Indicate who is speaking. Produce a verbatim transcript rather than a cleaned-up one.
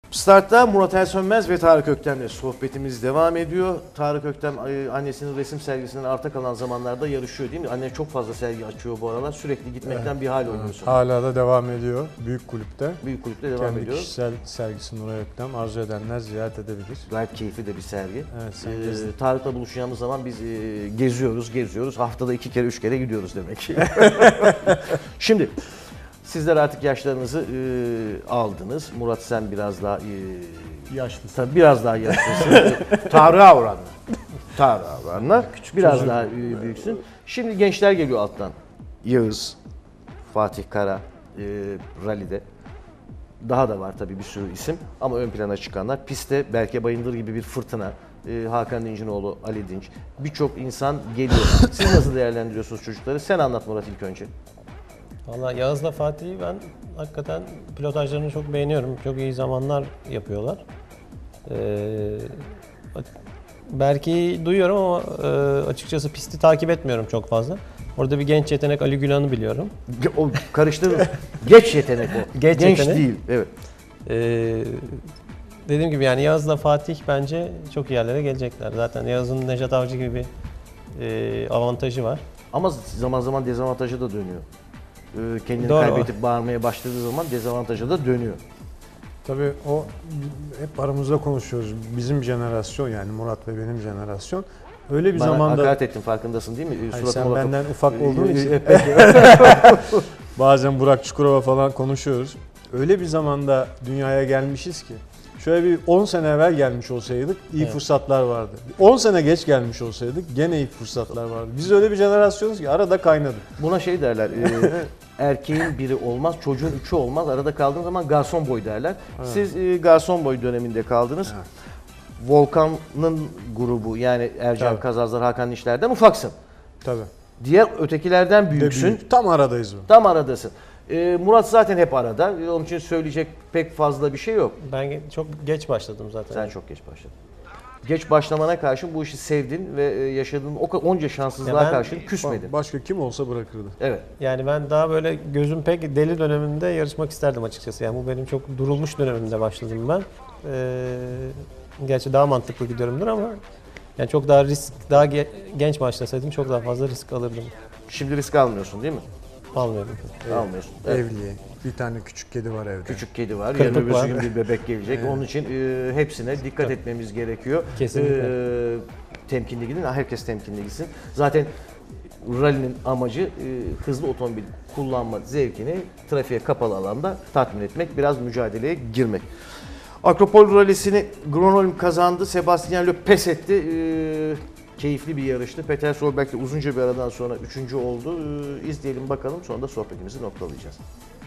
Speaker 1: Start'ta Murat Ersönmez ve Tarık Öktem'le sohbetimiz devam ediyor. Tarık Öktem annesinin resim sergisinden arta kalan zamanlarda yarışıyor değil mi? Anne çok fazla sergi açıyor bu aralar. Sürekli gitmekten evet. bir hal oynuyorsun.
Speaker 2: Hala da devam ediyor. Büyük kulüpte.
Speaker 1: Büyük kulüpte devam
Speaker 2: Kendi
Speaker 1: ediyor.
Speaker 2: kişisel sergisi Nuray Öktem. Arzu edenler ziyaret edebilir.
Speaker 1: Gayet keyifli de bir sergi.
Speaker 2: Evet, sen
Speaker 1: ee, Tarık'la buluşacağımız zaman biz e, geziyoruz, geziyoruz. Haftada iki kere, üç kere gidiyoruz demek ki. Şimdi sizler artık yaşlarınızı e, aldınız. Murat sen biraz daha e,
Speaker 2: yaşlısın.
Speaker 1: Tabii biraz daha yaşlısın. Tarık'a oranla. Tarık'a oranla. Biraz çocuk. Daha e, büyüksün. Şimdi gençler geliyor alttan. Yağız, Fatih Kara, e, rallide. Daha da var tabii bir sürü isim ama ön plana çıkanlar. Pistte Berke Bayındır gibi bir fırtına, e, Hakan Dincinoğlu, Ali Dinç, birçok insan geliyor. Siz nasıl değerlendiriyorsunuz çocukları? Sen anlat Murat ilk önce.
Speaker 3: Valla Yağız'la Fatih'i ben hakikaten pilotajlarını çok beğeniyorum. Çok iyi zamanlar yapıyorlar. Ee, Berke'yi duyuyorum ama e, açıkçası pisti takip etmiyorum çok fazla. Orada bir genç yetenek Ali Gülan'ı biliyorum.
Speaker 1: O karıştırma. Geç yetenek o.
Speaker 3: Geç
Speaker 1: Genç
Speaker 3: yetenek.
Speaker 1: değil. Evet.
Speaker 3: Ee, dediğim gibi yani Yağız'la Fatih bence çok iyi yerlere gelecekler. Zaten Yağız'ın Nejat Avcı gibi bir e, avantajı var.
Speaker 1: Ama zaman zaman dezavantajı da dönüyor. Ee, kendini
Speaker 3: Doğru.
Speaker 1: kaybedip bağırmaya başladığı zaman dezavantajı da dönüyor.
Speaker 2: Tabii o hep aramızda konuşuyoruz. Bizim jenerasyon yani Murat ve benim jenerasyon. Öyle bir
Speaker 1: Bana
Speaker 2: zamanda...
Speaker 1: hakaret ettin farkındasın değil mi?
Speaker 2: Hayır,
Speaker 1: Suratıma
Speaker 2: sen
Speaker 1: bakıp-
Speaker 2: benden ufak olduğun
Speaker 1: Ee,
Speaker 2: için.
Speaker 1: peki.
Speaker 2: Bazen Burak Çukurova falan konuşuyoruz. Öyle bir zamanda dünyaya gelmişiz ki. Şöyle bir on sene evvel gelmiş olsaydık iyi
Speaker 3: Evet.
Speaker 2: fırsatlar vardı. on sene geç gelmiş olsaydık gene iyi fırsatlar vardı. Biz öyle bir jenerasyonuz ki arada kaynadık.
Speaker 1: Buna şey derler, e, erkeğin biri olmaz, çocuğun üçü olmaz. Arada kaldığın zaman garson boy derler.
Speaker 2: Evet.
Speaker 1: Siz e, garson boy döneminde kaldınız.
Speaker 2: Evet.
Speaker 1: Volkan'ın grubu yani Ercan
Speaker 2: Tabii.
Speaker 1: Kazazlar, Hakan Dişler'den ufaksın.
Speaker 2: Tabii.
Speaker 1: Diğer ötekilerden
Speaker 2: De
Speaker 1: büyüksün.
Speaker 2: büyük. Tam aradayız bu.
Speaker 1: Tam aradasın. E, Murat zaten hep arada. E, Onun için söyleyecek pek fazla bir şey yok.
Speaker 3: Ben ge- çok geç başladım zaten.
Speaker 1: Sen çok geç başladın. Geç başlamana karşın bu işi sevdin ve e, yaşadığın o ka- onca şanssızlığa
Speaker 3: Ya ben-
Speaker 1: karşın küsmedin.
Speaker 2: Başka kim olsa bırakırdı.
Speaker 1: Evet.
Speaker 3: Yani ben daha böyle gözüm pek deli döneminde yarışmak isterdim açıkçası. Yani bu benim çok durulmuş dönemimde başladım ben. Ee, gerçi daha mantıklı gidiyorumdur ama yani çok daha risk, daha ge- genç başlasaydım çok daha fazla risk alırdım.
Speaker 1: Şimdi risk almıyorsun değil mi?
Speaker 3: Almıyorum.
Speaker 1: Almıyorsun. Evet.
Speaker 2: Evli. Bir tane küçük kedi var evde.
Speaker 1: Küçük kedi var.
Speaker 3: Kırpık
Speaker 1: Yarın öbür
Speaker 3: var.
Speaker 1: gün bir bebek gelecek. Onun için e, hepsine dikkat etmemiz gerekiyor.
Speaker 3: Kesinlikle.
Speaker 1: E, temkinli gidin. Herkes temkinli gitsin. Zaten rally'nin amacı e, hızlı otomobil kullanma zevkini trafiğe kapalı alanda tatmin etmek. Biraz mücadeleye girmek. Akropol Rally'sini Gronholm kazandı. Sebastian Loeb pes etti. E, keyifli bir yarıştı. Peter Solberg de uzunca bir aradan sonra üçüncü oldu. E, izleyelim bakalım. Sonra da sohbetimizi noktalayacağız.